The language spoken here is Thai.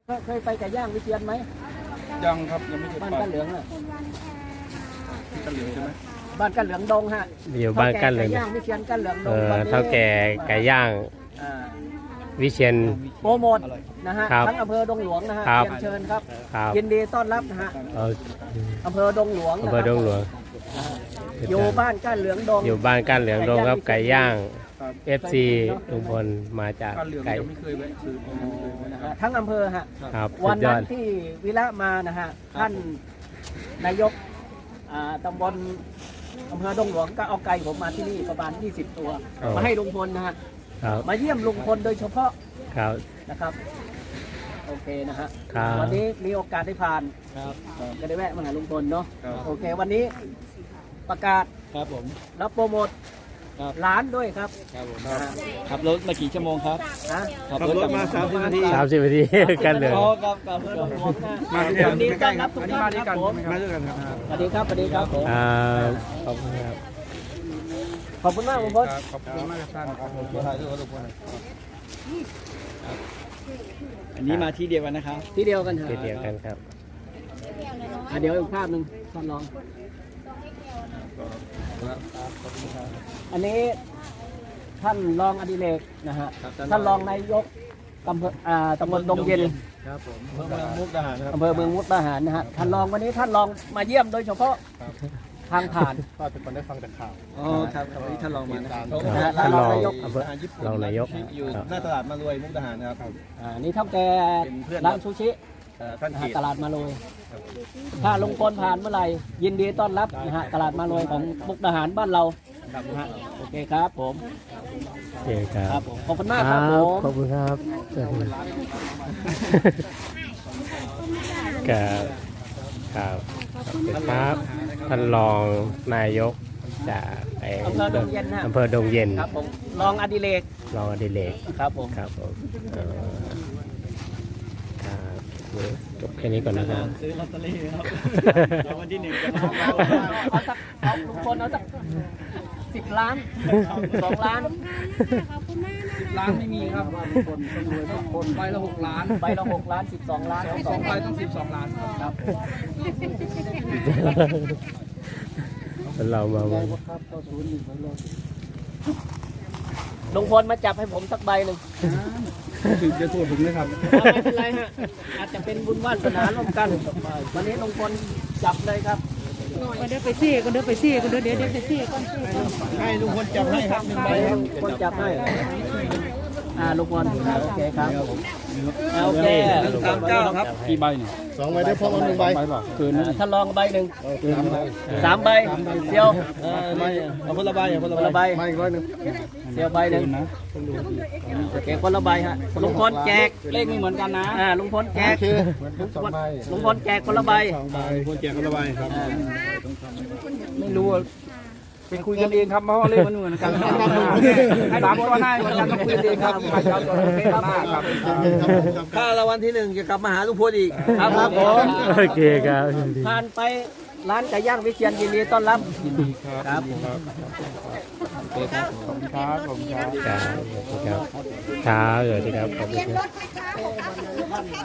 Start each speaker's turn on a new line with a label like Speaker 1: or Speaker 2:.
Speaker 1: เคยไปไก่ย่างวิเชียรไหม
Speaker 2: ยังครับยังไม่เคย
Speaker 1: บ้าน
Speaker 2: ไป
Speaker 1: กันเหลืองอ่ะ
Speaker 2: กันเหลืองใช่ไหม
Speaker 1: บ้านกันเหลืองดงฮะ
Speaker 3: อยู่บ้านกันเหลือง
Speaker 1: ไก่ย่างวิเชียรกันเหลืองดง
Speaker 3: เท่าแก่ไก่ย่างวิเชียร
Speaker 1: โปรโมทนะฮะทั้งอำเภอดงหลวงนะฮะเชิญครับยินดีต้อนรับนะฮะอำเภอดงหลวงอยู่บ้านกันเหลืองดง
Speaker 3: อยู่บ้านกันเหลืองดงครับไก่ย่างFC ลุงพลมาจากไก่
Speaker 2: ไม่เคยแวะซื้อ
Speaker 1: นะฮะทั้งอำเภอฮะ
Speaker 3: ครับ
Speaker 1: วันนั้นที่วิระมานะฮะท่านนายกตำบลอำเภอดงหลวงก็เอาไก่ผมมาที่นี่ประมาณ20 ตัวมาให้ลุงพลนะฮะมาเยี่ยมลุงพลโดยเฉพาะนะครับโอเคนะฮะวันนี้มีโอกาสได้ผ่านก็ได้แวะมาหาลุงพลเนาะโอเควันนี้ประกาศ
Speaker 2: ครับผม
Speaker 1: แล้วโปรโมทร้านด้วยครับ
Speaker 2: ขับรถมากี่ชั่วโมงครับ
Speaker 1: ขับรถมา30 นาที
Speaker 3: 30 นาทีกันเหลือง
Speaker 1: มาดีต้อนรับทุกท่านครับผมมาด้วยกันครับสวัสดีครับสวัสดีครับผม
Speaker 3: ขอบคุณครับ
Speaker 1: ขอบคุณมากลุงพล
Speaker 2: ขอบคุณมากครับท่านครับผมถ่ายรูปกับลุงพลอันนี้มาที่เดียวกันนะครับ
Speaker 1: ที่เดียวกัน
Speaker 3: ที่เดียวกันครับ
Speaker 1: เดี๋ยวอีกภาพหนึ่งท่านลองอันนี้ท่านรองอดิเรกนะฮะท่านรองนายกตำบลดงเย็น
Speaker 2: ครับผมอำเภอเมืองมุกดาหารครับ
Speaker 1: อำเภอเมืองมุกดาหารนะฮะท่านรองวันนี้ท่านรองมาเยี่ยมโดยเฉพาะทางผ่าน
Speaker 2: ก็เป็นคนได้ฟังแต่ข่าว
Speaker 1: ครับวันนี้ท่านรองมา
Speaker 3: ท่านรองนายกรองนายก
Speaker 2: อยู่หน้าตลาดมารวยมุกดาหารครับ
Speaker 1: นี่เท่าแก่ร้านซูชิตลาดมาลอยถ้าลงพลผ่านเมื่อไหร่ยินดีต้อนรับนะฮะตลาดมาลอยของมุกดาหารบ้านเราโอเคครับผม
Speaker 3: โอเคครับ
Speaker 1: ขอบคุณมากครับผม
Speaker 3: ขอบคุณครับครับครับท่านรองนายกจาก
Speaker 1: อำเภอดงเย็น
Speaker 3: อำเภอดงเย็น
Speaker 1: ครับผมรองอดิเรกครับผม
Speaker 3: จบแค่นี้ก่อนนะครับ
Speaker 1: ซื้อลอตเตอรี่ครับวันที่1เอาสักลุงพลเอาสัก10 ล้าน2 ล้าน
Speaker 2: 10 ล้านไม่มีครับคนใบละ6 ล้าน
Speaker 1: ใบละ6 ล้าน12 ล้าน
Speaker 2: 2 ใบต้อง12 ล้าน
Speaker 1: ครับ
Speaker 3: เรามา
Speaker 1: ลุงพลมาจับให้ผมสักใบหนึ่ง
Speaker 2: ถึงจะตัวผมนะครับ
Speaker 1: ไม่เป็นไรฮะอาจจะเป็นบุญวาสนาร่วมกันวันนี้ลุงพลจับเลยครับ
Speaker 4: เดี๋ยวไปซี่กันเดี๋ยวไปซี่กันเดี๋ยวไปซี่กัน
Speaker 2: ให้ลุงพลจับให้ครับ1 ใบ
Speaker 1: ครับลุงพลจับให้ลุงพลโอเคครับโอเค
Speaker 2: 39ครับกี่ใบเนี่ย
Speaker 3: 2 ใบได้พอมา1 ใบ
Speaker 2: คืน
Speaker 1: ถ้าลองใบหนึ่ง3 ใบเดียว
Speaker 2: เอาคนละใบ
Speaker 1: คนละใบ
Speaker 2: มาอีก100
Speaker 1: เดียวใบหนึ่งโอเคคนละใบฮะลุงพลแจก
Speaker 2: เลขไม่เหมือนกันนะ
Speaker 1: ลุงพลแจกลุงพลแจกคนละใบ
Speaker 2: ลุงพลแจกคนละใบครับ
Speaker 1: ไม่รู้
Speaker 2: เป็นคุยกันเองครับเพราะว่าเลขมันเหมือนกันให้ตามตัวหน้าเหมือนกันต้องคุยเองครับมาเจ้าตัวเลขหน้าครับ
Speaker 1: ถ้ารางวัลที่1จะกลับมาหาลุงพลอีก
Speaker 3: ครับผมโอเคครับ
Speaker 1: ผ่านไปร้านไก่ย่างวิเชียรยินดีต้อนรับ
Speaker 2: ยินดีครับ
Speaker 3: ขอบคุณครับขอบคุณครับขอบคุณครับสวัสดีครับขอบคุณครับ